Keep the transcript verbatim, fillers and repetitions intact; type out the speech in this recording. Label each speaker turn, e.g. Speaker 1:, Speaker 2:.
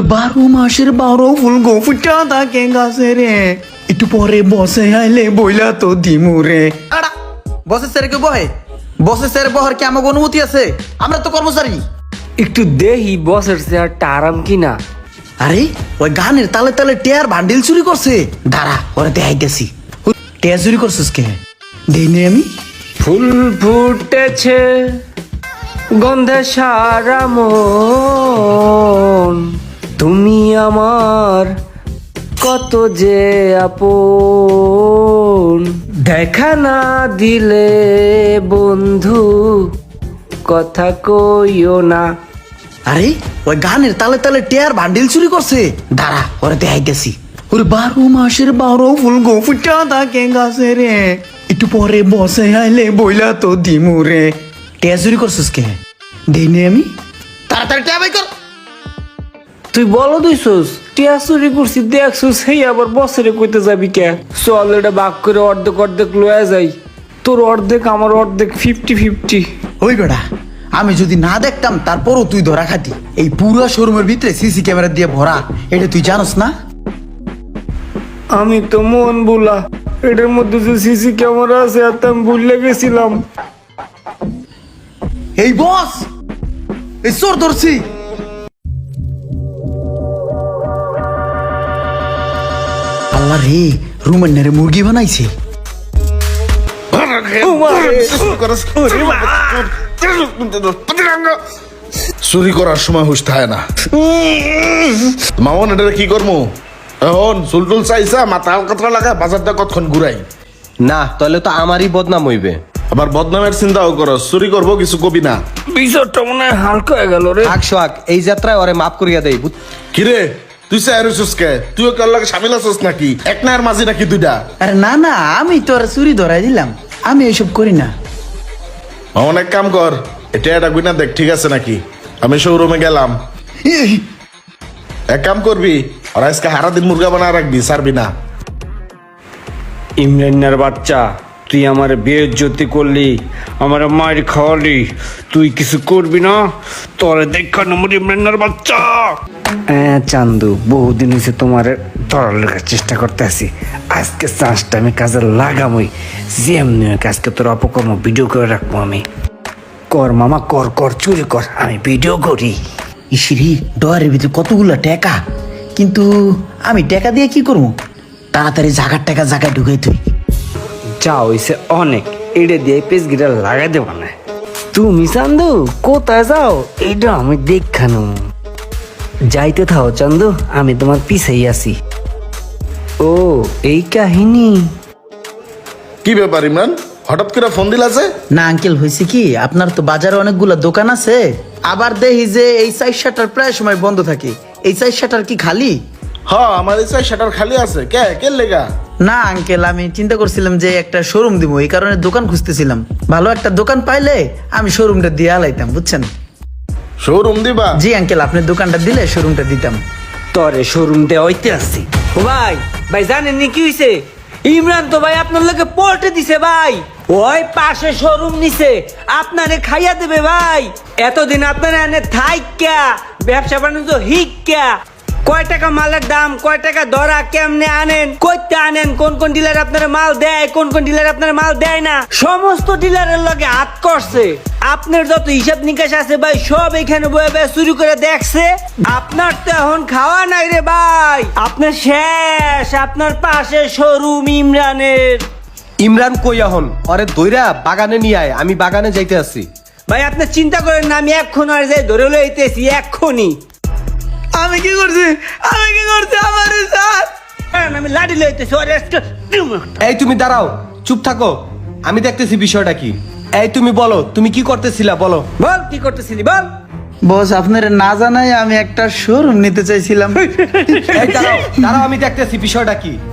Speaker 1: বারো মাসের বারো ফুল গো ফুটা থাকে গাছে রে, একটু পরে বসে আইলে বইলা তো দিমু রে। আড়া বসের স্যারে কে বহে? বসের স্যারে বহার কি আমাকে অনুমতি আছে? আমরা তো কর্মচারী।
Speaker 2: একটু দেহি বসের চেয়ারটা আরাম কিনা।
Speaker 1: আরে ওই গানের তালে তালে টেয়ার ভান্ডিল চুরি করছে। দাঁড়া ওরা দেখাইতেছি। টেয়ার চুরি করছিস কে? দেই নে আমি।
Speaker 2: ফুল ফুটেছে গন্ধে সারা মন, তুমি আমার কত যে আপন, দেখা না দিলে বন্ধু কথা কইও না।
Speaker 1: আরে ওই গানের তালে তালে টেয়ার ভান্ডিল চুরি করছে। দাঁড়া ওরা দেখাইতেছি। ওরে বারো মাসের বারো ফুল গো ফুটা থাকে গাছে রে, একটু পরে বসে আইলে বইলা তো দিমু রে। টেয়ার চুরি করছিস কে? দেই নে আমি। তাড়াতাড়ি টেয়া বাই কর।
Speaker 2: তুই বলো দুইছস টিয়া চুরি করছি দেখছস, সেই আবার বছরে কইতে যাবি কে? চল এটা ভাগ করে অর্ধেক অর্ধেক লয়ে যাই, তোর অর্ধেক আমার অর্ধেক, ফিফটি ফিফটি।
Speaker 1: ওই বেটা আমি যদি না দেখতাম তারপরও তুই ধরা খাতি। এই পুরো শোরুমের ভিতরে সিসি ক্যামেরা দিয়ে ভরা, এটা তুই জানোস না?
Speaker 2: আমি তো মন বুলা, এটার মধ্যে যে সিসি ক্যামেরা আছে আর আমি ভুলে গেছিলাম।
Speaker 1: এই বস এই চোর ধরছি। আল্লাহ রে, রুমের নেড়ে মুরগি বানাইছে।
Speaker 3: চুরি করার সময় হুশ থাকে না। মামন এটা কি করবো এখন? চুলটুল চাইছা মাথা হালকাতরা লাগা বাজারটা কতক্ষণ ঘুরাই
Speaker 4: না, তাহলে তো আমারই বদনাম হইবে।
Speaker 3: আবার বদনামের চিন্তাও করো। চুরি করবো কিছু কবি না।
Speaker 2: বিষয়টা মনে হয় হালকা হয়ে গেল রে।
Speaker 4: থাক সোহাগ, এই যাত্রায় ওরে মাফ করিয়া দেই। বুঝ-
Speaker 3: কিরে তুই চাইছিস কে? তুইও কার লাগে সামিল আছিস নাকি? এক না আর মাঝি নাকি দুইটা?
Speaker 1: আরে না না, আমি তো আর চুরি ধরাই দিলাম, আমি এসব করি না।
Speaker 3: মামন এক কাম কর, এটা এটা গুইনা দেখ ঠিক আছে নাকি। আমি শোরুমে গেলাম। এক কাম করবি, আর আজকে হারা দিন মুরগা বানা রাখবি, ছাড়বি না।
Speaker 2: ইমরানের বাচ্চা, তুই আমার বেইজ্জতি করলি, আমার মায়ের খাওয়ালি, তুই কিছু করবি না? তোরে দেখা নম্বর ইমরানের বাচ্চা। হ্যাঁ চান্দু, বহুদিন হয়েছে তোমার ধরার লেখার চেষ্টা করতে আছি, আজকে চান্সটা আমি কাজে লাগামই। যেমনি হোক আজকে তোর অপকর্ম ভিডিও করে রাখবো আমি। কর মামা কর, কর চুরি কর, আমি ভিডিও করি।
Speaker 1: ইসিরি ডয়ারের ভিতরে কতগুলো টাকা, কিন্তু আমি টাকা দিয়ে কি করবো? তাড়াতাড়ি জাগার টাকা জায়গায় ঢুকাই তুই।
Speaker 2: যা হইছে অনেক, এটা দিয়ে পেজ গিটা লাগাই দেব না। তুমি চান্দু কোথায় যাও এইটা আমি দেখানো। যাইতে থাও চান্দু, আমি তোমার পিছেই আছি। ও এই কাহিনী।
Speaker 3: কি ব্যাপার ইমরান, হঠাৎ করে ফোন দিলা যে?
Speaker 1: না আঙ্কেল, হয়েছে কি, আপনার তো বাজারে অনেকগুলো দোকান আছে, আবার দেখি যে এই সাইড শাটার প্রায় সময় বন্ধ থাকে। এই সাইড শাটার কি খালি?
Speaker 3: হ্যাঁ আমার ইচ্ছা শাটার খালি আছে। কে কে লেগা?
Speaker 1: না আঙ্কেল, আমি চিন্তা করছিলাম যে একটা শোরুম দিব, এই কারণে দোকান খুঁজতেছিলাম। ভালো একটা দোকান পাইলে আমি শোরুমটা দিয়ে আলাইতাম, বুঝছেন?
Speaker 3: শোরুম দিবা?
Speaker 1: জি আঙ্কেল, আপনি দোকানটা দিলে শোরুমটা দিতাম।
Speaker 2: তরে শোরুম দেওয়া হইতে আসছি। ও ভাই, ভাই জানেন নি কি হইছে? ইমরান তো ভাই আপনার লোকে পল্টে দিছে ভাই। ওই পাশে শোরুম নিছে, আপনারে খাইয়া দেবে ভাই। এতদিন আপনারা এনে থাইক্যা ব্যবসা বাণিজ্য হিক্যা, কয় টাকা মালের দাম, কয় টাকা ধরা, কেমনে আনেন, কইতে আনেন, কোন কোন ডিলার আপনার মাল দেয়, কোন কোন ডিলার আপনার মাল দেয় না, সমস্ত ডিলারের লগে হাত করছে। আপনার যত হিসাব নিকাশ আছে ভাই সব এখানে বয়ে বয়ে চুরি করে দেখছে। আপনার তো এখন খাওয়া নাই রে ভাই, আপনার শেষ। আপনার পাশে শোরুম ইমরানের।
Speaker 4: ইমরান কই এখন? ওরে দইরা বাগানে নিয়ে আয়, আমি বাগানে যাইতে আছি।
Speaker 2: ভাই আপনি চিন্তা করেন না, আমি এক্ষণ আর যাই ধরে লইতেছি এক্ষুনি।
Speaker 1: আমি কি করছি? আমি কি করছি? আমার স্যার,
Speaker 2: আমি লাঠি লইতেছি।
Speaker 4: এই তুমি দাঁড়াও, চুপ থাকো, আমি দেখতেছি বিষয়টা কি। এই তুমি বলো, তুমি কি করতেছিলা বলো।
Speaker 2: বল কি করতেছিলি বল।
Speaker 1: বস আপনার না জানাই আমি একটা শোরুম নিতে চাইছিলাম।
Speaker 4: এই দাঁড়াও দাঁড়াও, আমি দেখতেছি বিষয়টা কি।